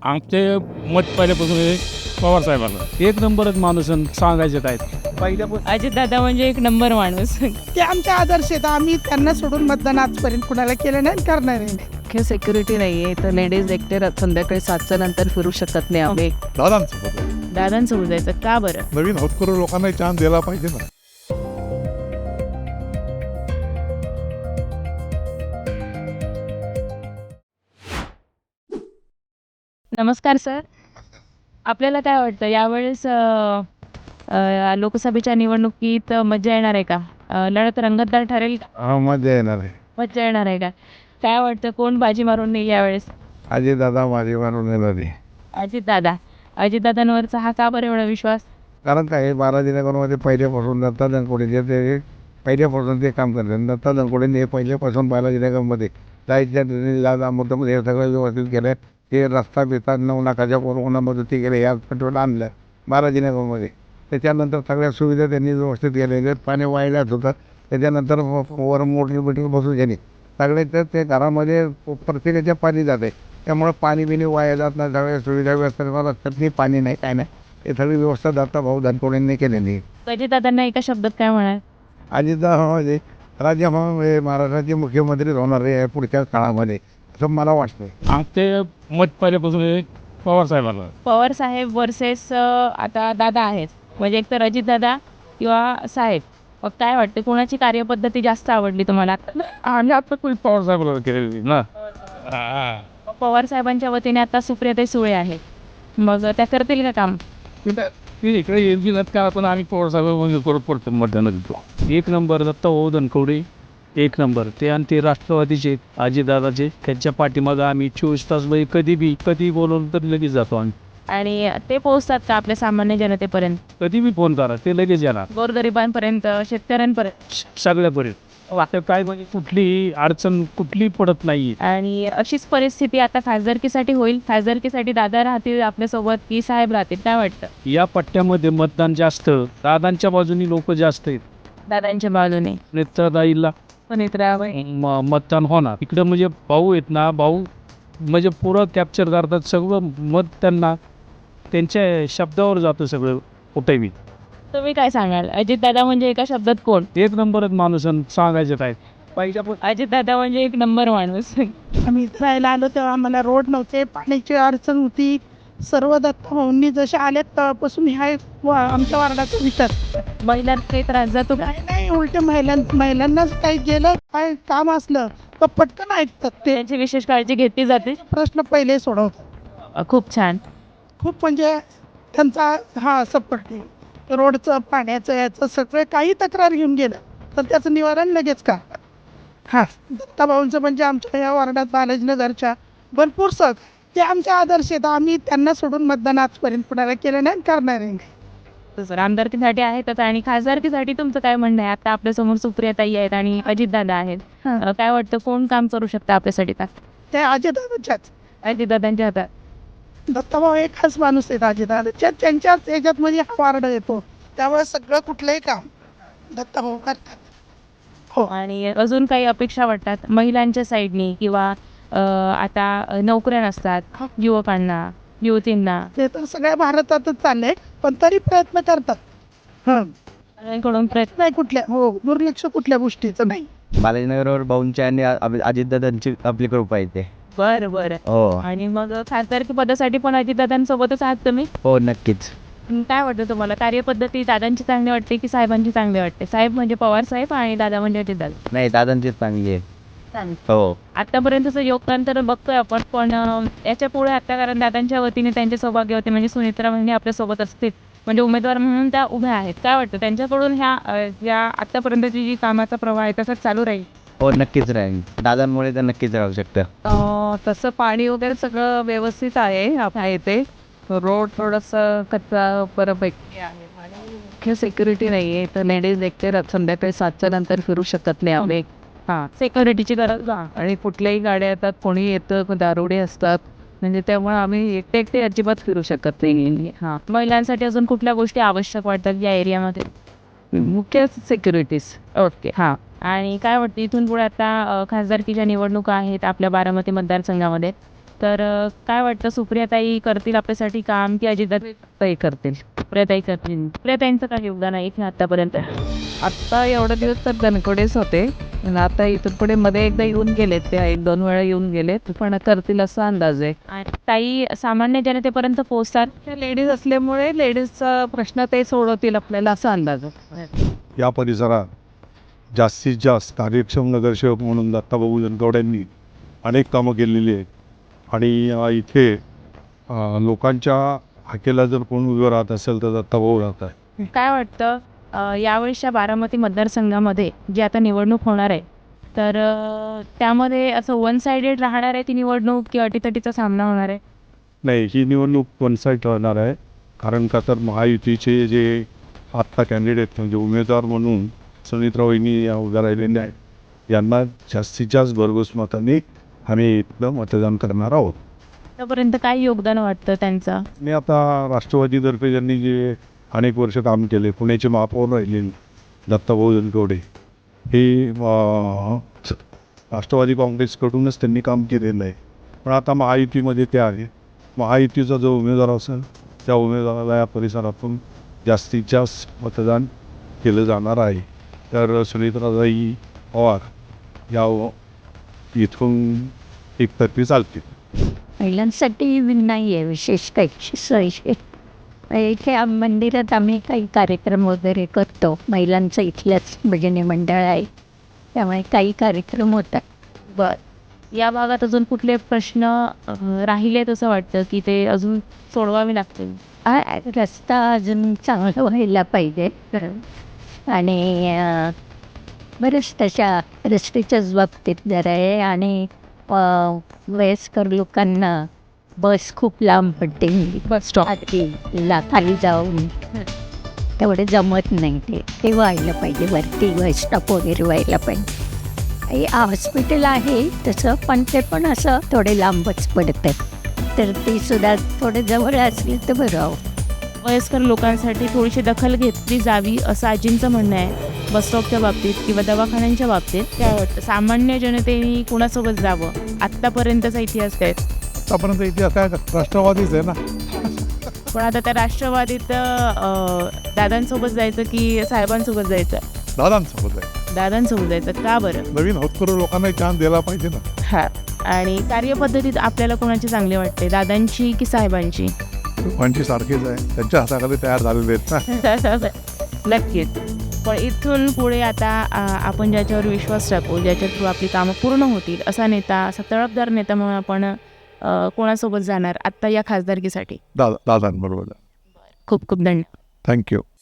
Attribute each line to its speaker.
Speaker 1: आमचे मत पहिल्यापासून हे पवार साहेबांना एक नंबरच माणूस सांगायचे आहेत पहिल्यापासून.
Speaker 2: अजितदादा म्हणजे एक नंबर माणूस.
Speaker 3: ते आमचे आदर्श आहेत. आम्ही त्यांना सोडून मतदान आजपर्यंत कुणाला केलं नाही आणि करणार नाही.
Speaker 2: मुख्य सिक्युरिटी नाहीये तर लेडीज एकटे संध्याकाळी 7च्या नंतर फिरू शकत नाही आम्ही.
Speaker 4: दादांसोबत
Speaker 2: दादांसोबत जायचं का बरं?
Speaker 4: नवीन होतकरू लोकांना चान्स दिला पाहिजे ना.
Speaker 2: नमस्कार सर. आपल्याला काय वाटतं यावेळेस लोकसभेच्या निवडणुकीत मजा येणार आहे का? लढत रंगतदार ठरेल का?
Speaker 4: हा, मजा येणार आहे.
Speaker 2: मजा येणार आहे का? काय वाटतं कोण बाजी मारून नाही यावेळेस?
Speaker 4: दादा माझे मारून येणार आहे.
Speaker 2: अजितदादा. अजितदादांवरचा हा का बरं एवढा विश्वास?
Speaker 4: कारण काय 12 जिल्ह्यामध्ये पहिल्यापासून दत्ता धनकोडे ते पहिल्यापासून ते काम करतात. दत्ता धनकोडेंनी हे पहिल्यापासून 12 जिल्ह्यामध्ये जायच्या मुद्दामध्ये हे सगळं व्यवस्थित केलं. ते रस्ता बिस्ता 9 लाखाच्या कोरोनामध्ये ते गेले या पेट्रोल आणलं 12 जिल्ह्यामध्ये. त्याच्यानंतर सगळ्या सुविधा त्यांनी व्यवस्थित केल्या. पाणी वाहिल्याच होतं. त्याच्यानंतर वर मोठी बिल्डिंग बसून झाली सगळे. तर ते घरामध्ये प्रत्येकाच्या पाणी जाते. त्यामुळे पाणी बिणी वाया जात नाही. सगळ्या सुविधा व्यवस्था चटणी पाणी नाही काय नाही हे सगळी व्यवस्था दत्ता भाऊ धनकोडेंनी केलेली.
Speaker 2: अजितदादांना एका शब्दात काय म्हणाल?
Speaker 4: म्हणजे महाराष्ट्राचे मुख्यमंत्री होणार आहे पुढच्या काळामध्ये असं मला वाटतं.
Speaker 1: आमचे मत पहिल्यापासून हे पवार साहेबांना.
Speaker 2: पवार साहेब वर्सेस आता दादा आहेत, म्हणजे एक तर अजितदादा किंवा साहेब. मग काय वाटतं कोणाची कार्यपद्धती जास्त आवडली तुम्हाला?
Speaker 1: आम्ही आता पवार साहेबांना केलेली ना.
Speaker 2: पवार साहेबांच्या वतीने आता सुप्रियाताई सुळे आहे, मग त्या करतील का काम?
Speaker 1: ती इकडे येईल नाही का, पण आम्ही पवार साहेब परत पडतो मतदान देतो. एक नंबर दत्ता भाऊ धनकवडे एक नंबर ते, आणि ते राष्ट्रवादीचे अजितदादाचे. त्यांच्या पाठीमागं आम्ही 24 तास कधी बोलवलं तर लगेच जातो आम्ही.
Speaker 2: आणि ते पोहोचतात का आपल्या सामान्य जनतेपर्यंत?
Speaker 1: कधी बी फोन करा ते लगेच येणार
Speaker 2: गोरगरिबांपर्यंत, शेतकऱ्यांपर्यंत?
Speaker 1: सगळ्यापर्यंत. आता काय म्हणजे कुठलीही अडचण कुठली पडत नाही.
Speaker 2: आणि अशीच परिस्थिती आता खासदारकीसाठी होईल? खासदारकीसाठी दादा राहतील आपल्यासोबत की साहेब राहतील, काय वाटतं?
Speaker 1: या पट्ट्यामध्ये मतदान जास्त दादांच्या बाजूनी लोक जास्त आहेत.
Speaker 2: दादांच्या बाजूने
Speaker 1: नेत्रदाईला मतदान होणार. इकडं म्हणजे भाऊ आहेत ना, भाऊ म्हणजे पुरं कॅप्चर करतात सगळं मत. त्यांना त्यांच्या शब्दावर जातं सगळं कुठे बी.
Speaker 2: तुम्ही काय सांगाल? अजितदादा म्हणजे एका शब्दात कोण?
Speaker 1: एक नंबरच माणूस सांगायचे आहेत पाहिजे.
Speaker 2: अजितदादा म्हणजे एक नंबर माणूस.
Speaker 3: आम्ही इथं राहायला आलो तेव्हा आम्हाला रोड नव्हते, पाण्याची अडचण होती. सर्व दत्ता भाऊंनी जसे आले तेव्हापासून ह्या आमच्या वार्डाचा विचार.
Speaker 2: महिलांना काही त्रास जातो का?
Speaker 3: नाही उलट महिलांनाच काही गेलं काय काम असलं तर पटकन ऐकतात. ते
Speaker 2: त्यांची विशेष काळजी घेतली जाते.
Speaker 3: प्रश्न पहिले सोडवतात.
Speaker 2: खूप छान.
Speaker 3: खूप म्हणजे त्यांचा हा सपोर्ट आहे. रोडचं पाण्याचं याचं सगळं काही तक्रार घेऊन गेलं तर त्याचं निवारण लगेच का. हां, दत्ताभाऊंचं म्हणजे आमच्या या वार्डात बालाजीनगरच्या भरपूर ते आमचे आदर्श आहेत. आम्ही त्यांना सोडून मतदान आजपर्यंत कुणाला केलं नाही आणि करणार नाही.
Speaker 2: सर, आमदारकीसाठी आहेतच आणि खासदारकीसाठी तुमचं काय म्हणणं आहे? आता आपल्यासमोर सुप्रियाताई आहेत आणि अजितदादा आहेत. काय वाटतं कोण काम करू शकतं आपल्यासाठी? का
Speaker 3: ते अजितदादाच्याच
Speaker 2: अजितदादांच्या हातात?
Speaker 3: दत्ताभाऊ एक खास माणूस आहेत अजितदादाच्या. त्यांच्याच याच्यात म्हणजे हा वार्ड येतो त्यामुळे सगळं कुठलंही काम दत्ताभाऊ करतात. हो.
Speaker 2: आणि अजून काही अपेक्षा वाटतात महिलांच्या साईडनी किंवा आता नोकऱ्या नसतात युवकांना, युवतींना?
Speaker 3: ते तर सगळ्या भारतातच चाललंय पण तरी प्रयत्न करतात.
Speaker 2: कडून प्रयत्न
Speaker 3: नाही कुठल्या दुर्लक्ष कुठल्या गोष्टीचं नाही.
Speaker 5: बालाजीनगरवर भाऊंच्या आणि अजितदादांची आपली कृपा येते.
Speaker 2: बरं.
Speaker 5: हो
Speaker 2: आणि मग खासदारकी पदासाठी पण अजितदादांसोबतच आहात तुम्ही?
Speaker 5: हो नक्कीच.
Speaker 2: काय वाटतं तुम्हाला कार्यपद्धती दादांची चांगली वाटते की साहेबांची चांगली वाटते? साहेब म्हणजे पवार साहेब आणि दादा म्हणजे अजितदादा.
Speaker 5: नाही दादांचीच चांगली आहे. हो
Speaker 2: आतापर्यंतचं योगदान तर बघतोय आपण, पण याच्या पुढे आता कारण दादांच्या वतीने त्यांचे सौभाग्य होते म्हणजे सुनेत्रा म्हणजे आपल्यासोबत असतील, म्हणजे उमेदवार म्हणून त्या उभ्या आहेत. काय वाटतं त्यांच्याकडून ह्या आतापर्यंतची जी कामाचा प्रवाह आहे तसंच चालू राहील?
Speaker 5: हो नक्कीच राहील. दादांमुळे तर नक्कीच राहू शकतं.
Speaker 2: तसं पाणी वगैरे सगळं व्यवस्थित आहे इथे. रोड थोडंसं कच्चा बऱ्यापैकी आहे आणि मुख्य सिक्युरिटी नाही आहे तर लेडीज एकटे संध्याकाळी 7च्या नंतर फिरू शकत नाही आम्ही. सिक्युरिटीची गरज. आणि कुठल्याही गाड्या येतात, कोणी येतं, दारुडे असतात, म्हणजे त्यामुळे आम्ही एकटे अजिबात फिरू शकत नाही. महिलांसाठी अजून कुठल्या गोष्टी आवश्यक वाटतात या एरियामध्ये? मुख्य सिक्युरिटीज. ओके. आणि काय वाटतं इथून पुढे आता खासदारकीच्या निवडणुका आहेत आपल्या बारामती मतदारसंघामध्ये, तर काय वाटतं, सुप्रियाताई करतील आपल्यासाठी काम की अजितदादाताई करतील? सुप्रियाताई करतील. सुप्रियाताईंचं काय योगदान आहे इथे आतापर्यंत? आत्ता एवढे दिवस तर धनकडेच होते, पण आता इथून पुढे मध्ये एकदा येऊन गेलेत, ते 1-2 वेळा येऊन गेलेत, पण करतील असा अंदाज आहे. आणि ताई सामान्य जनतेपर्यंत पोहोचतात. त्या लेडीज असल्यामुळे लेडीजचा प्रश्न ते सोडवतील आपल्याला असा अंदाज आहे.
Speaker 6: या परिसरात जास्तीत जास्त कार्यक्षम नगरसेवक म्हणून दत्ताभाऊ जनकवड्यांनी अनेक कामं केलेली आहेत आणि इथे लोकांच्या हाकेला जर कोण उभं राहत असेल तर दत्ताभाऊ राहत आहे.
Speaker 2: काय वाटतं, यावेळेसच्या बारामती मतदारसंघामध्ये जी आता निवडणूक होणार आहे, तर त्यामध्ये असं वन सायडेड राहणार आहे ती निवडणूक की अटीतटीचा सामना होणार आहे?
Speaker 6: नाही, ही निवडणूक वन साईड राहणार आहे. कारण का तर महायुतीचे जे आत्ता कॅन्डिडेट म्हणजे उमेदवार म्हणून सुनीत्रा वहिनी या उभ्या राहिलेल्या आहेत, यांना जास्तीत जास्त भरघोस मतांनी आम्ही इथलं मतदान करणार आहोत.
Speaker 2: आतापर्यंत काय योगदान वाटतं त्यांचं?
Speaker 6: आणि आता राष्ट्रवादीतर्फे ज्यांनी जे अनेक वर्ष काम केले, पुण्याचे महापौर राहिलेले दत्ताभाऊ जनकवडे हे राष्ट्रवादी काँग्रेसकडूनच त्यांनी काम केलेलं आहे. पण आता महायुतीमध्ये ते आहे. महायुतीचा जो उमेदवार असेल त्या उमेदवाराला या परिसरातून जास्तीत जास्त मतदान केलं जाणार आहे. तर सुनीत्राताई पवार या इथून एकतर्फी चालतील.
Speaker 7: महिलांसाठी नाही आहे विशेष काही सोय. इथे मंदिरात आम्ही काही कार्यक्रम वगैरे करतो. महिलांचं इथलंच भजनी मंडळ आहे, त्यामुळे काही कार्यक्रम होतात.
Speaker 2: बरं, या भागात अजून कुठले प्रश्न राहिले तसं वाटतं की ते अजून सोडवावे लागतील?
Speaker 7: रस्ता अजून चांगला व्हायला पाहिजे आणि बरेच तशा रस्त्याच्याच बाबतीत जरा आहे. आणि वयस्कर लोकांना बस खूप लांब पडते,
Speaker 2: बस स्टॉप
Speaker 7: खाली जाऊन तेवढे जमत नाही. ते व्हायला पाहिजे, वरती बस स्टॉप वगैरे व्हायला पाहिजे. हॉस्पिटल आहे तसं, पण ते पण असं थोडे लांबच पडतं, तर ते सुद्धा थोडे जवळ असले तर बरं आहो.
Speaker 2: वयस्कर लोकांसाठी थोडीशी दखल घेतली जावी असं आजींचं म्हणणं आहे बसस्टॉपच्या बाबतीत किंवा दवाखान्यांच्या बाबतीत. काय वाटतं, सामान्य जनतेने कुणासोबत जावं? आत्तापर्यंतचा इतिहास काय?
Speaker 8: आतापर्यंत इतिहास काय राष्ट्रवादीच आहे ना.
Speaker 2: पण आता त्या राष्ट्रवादीत दादांसोबत जायचं की साहेबांसोबत जायचं?
Speaker 8: दादांसोबत आहे.
Speaker 2: दादांसोबत जायचं. का बरं?
Speaker 8: नवीन होतकरू लोकांना चान्स द्यायला पाहिजे ना.
Speaker 2: हा. आणि कार्यपद्धतीत आपल्याला कोणाची चांगली वाटते, दादांची की साहेबांची?
Speaker 8: दोघांची सारखीच आहे, त्यांच्या हाताखाली तयार झालेले आहेत ना.
Speaker 2: नक्कीच. पण इथून पुढे आता आपण ज्याच्यावर विश्वास टाकू, ज्याच्या थ्रू आपली कामं पूर्ण होतील असा नेता, असा तळपदार नेता म्हणून आपण कोणासोबत जाणार आत्ता या खासदारकीसाठी?
Speaker 8: दादांबरोबर.
Speaker 2: खूप खूप धन्यवाद.
Speaker 8: थँक्यू.